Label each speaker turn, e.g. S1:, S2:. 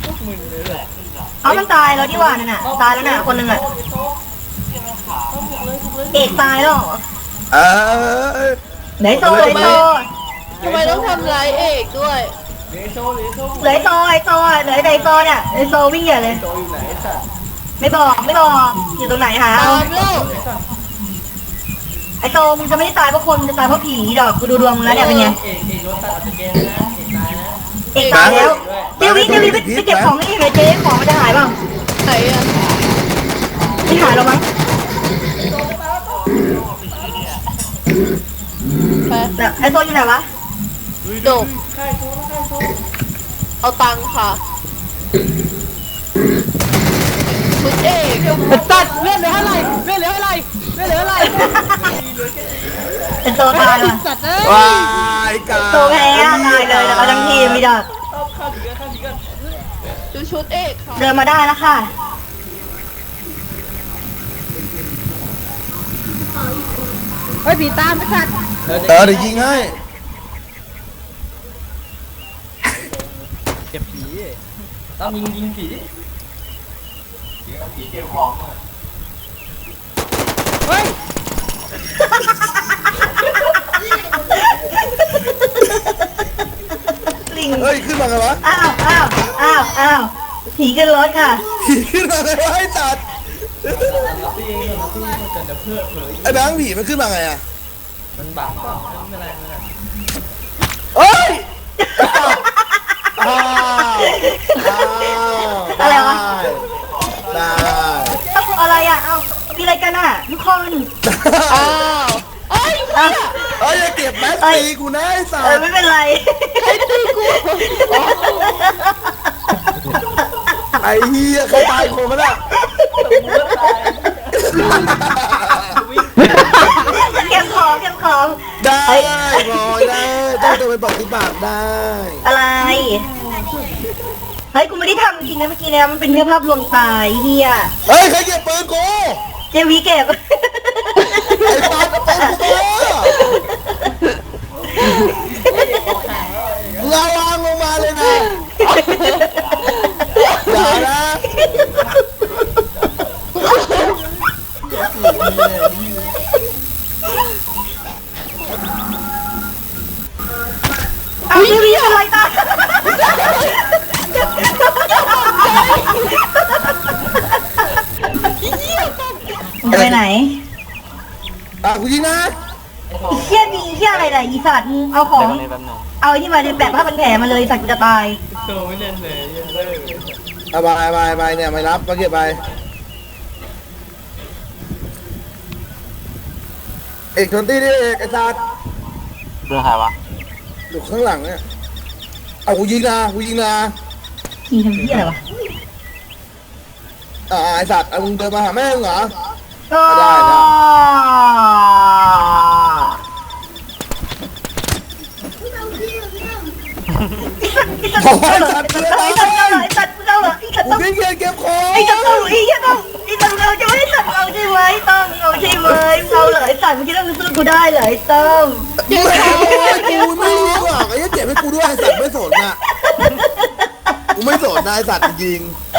S1: มึนเลยแหละ
S2: เอามันตายแล้วที่ว่านั่นน่ะตายแล้วน่ะคนหนึ่งอ่ะเอกตายแล้วเหรอ
S3: เออ
S2: เหลือไอ้โซเหลือไอ้โซ
S4: ทำไมต้องทำร้ายเอกด้วย
S1: เหลือโซ่
S2: เหลือไอ้โซไอ้โซเหลือไอ้โซเนี่ยไอ้โซวิ่งใหญ่เลย
S1: โซ่อยู่ไหนสัตว์
S2: ไม่บอกอยู่ตรงไหนหา
S4: ตา
S2: เอา
S4: มแล้ว
S2: ไอ้โซมึงจะไม่ได้ตายเพราะคนมึงจะตายเพราะผีดอกกูดูดวงมึงแล้วเนี่ยเป็นไง
S1: เอกโดนตัดออกจากเกมนะเอกตายนะ
S2: เอกตายแล้วเดี๋ยววิไปเก็บของนี่เลยเจ๊ของมันจะหายเปล่า
S4: ไหนอะ
S2: ไม่หายหรอกมั้ง
S4: ไป
S2: แต่ไอ้โซอยู่ไหนวะ
S4: จบ
S1: ใครโซ่
S4: เอาตังค์ค่ะคุณเอก
S1: ตัดเลื่อนเหลือเท่าไหร่เลื่อนเหลือเท่าไหร่เลื่อนเหลือเท่าไหร่
S2: ไอ้โซตายว่ะ
S1: สัตว์เอ้
S3: ว้ายกา
S2: โซแพ้ตายเลยแล้วก็ทั้งทีมมีดอก
S1: เอาข้าวดีกัน
S4: ดูชุดเอกค่ะ
S2: เดินมาได้แล้วค่ะ
S1: เฮ้ยผีตามไม่สัตว์
S3: เดี๋ยวยิงให้
S1: เก็บผีต้องยิงผีผีเก็บของเฮ้ย
S2: ลิง
S3: เฮ้ยขึ้นมาไงวะ
S2: อ้าวผีขึ้นรถค่ะ
S3: ขึ้นมาไงวะไอ้สัตว์
S1: ตีเองตีมันเกิดจะเพื่อเผย
S3: ไอ้แบงค์ผีมันขึ้นมาไงอะ
S1: มันบังไม่เป็นไร
S3: เฮ้ยอ้าว
S2: อะไรวะ
S3: ได้
S2: เอาอะไรอ่ะเอามีอะไรกันอ่ะทุกคน
S4: อ้าวเอ้ย
S2: เอา
S3: เฮ้ยอย่าเก็บแม็กตีกูนะไอ้สัตว์
S2: ไม่เป็นไร
S4: ใครตีกู
S3: ไอ้เหี้ยใครตายคนมันอะ
S2: เก็บของ
S3: ได้บอยได้ต้องตัวไปบอกที่ปากได้
S2: อะไรเฮ้ยกูไม่ได้ทำจริงนะเมื่อกี้เนี่ยมันเป็นแค่ภาพลวงตายเฮีย
S3: เฮ้ยใครเก็บปืนกู
S2: เจวีเก็บ
S3: ไอ้ปาดปืนกูระวังลงมาเลยนะอย่านะ
S2: เอาเจวีเป็นไรตาไปไหน
S3: กูยิงนะ
S2: อีเชี่ยมีเชี่ยอะไรล่ะอีสัตว์เอาของเอาไอ้ที่มาแบบผ้าพันแผลมาเลยสัตว์จะตาย
S1: โซ่ไม่เล่นเลยยังเลิก
S3: เอาไปเนี่ยไม่รับมาเก็บไปเอกชนตี้ดิเอกไอ้สัตว์
S1: เรื่องใครวะ
S3: อยู่ข้างหลังเนี่ยเอากูยิงนะ
S2: ยิงทำเชี่ยอะไรวะ
S3: ไอ้สัตว์เอามึงเดินมาหาแม่มึงเหรอ
S2: ก็
S3: ได้
S2: ไอ้สัตว์เราเหรอไอ้สัตว์
S3: กูวิ่งเก็บเก็บของ
S2: ไอ้สัตว์เราจะไม่ได้สัตว์เราใช่ไหมต้องเอาใช่ไหมเราเหรอไอ้สัตว์เมื่อกี้ต้องสู้กูได้เหรอไอ้ต้ม
S3: กูไม่รู้หรอกไอ้เหี้ยเก็บให้กูด้วยไอ้สัตว์ไม่สนน่ะกูไม่สนนะไอ้สัตว์จริง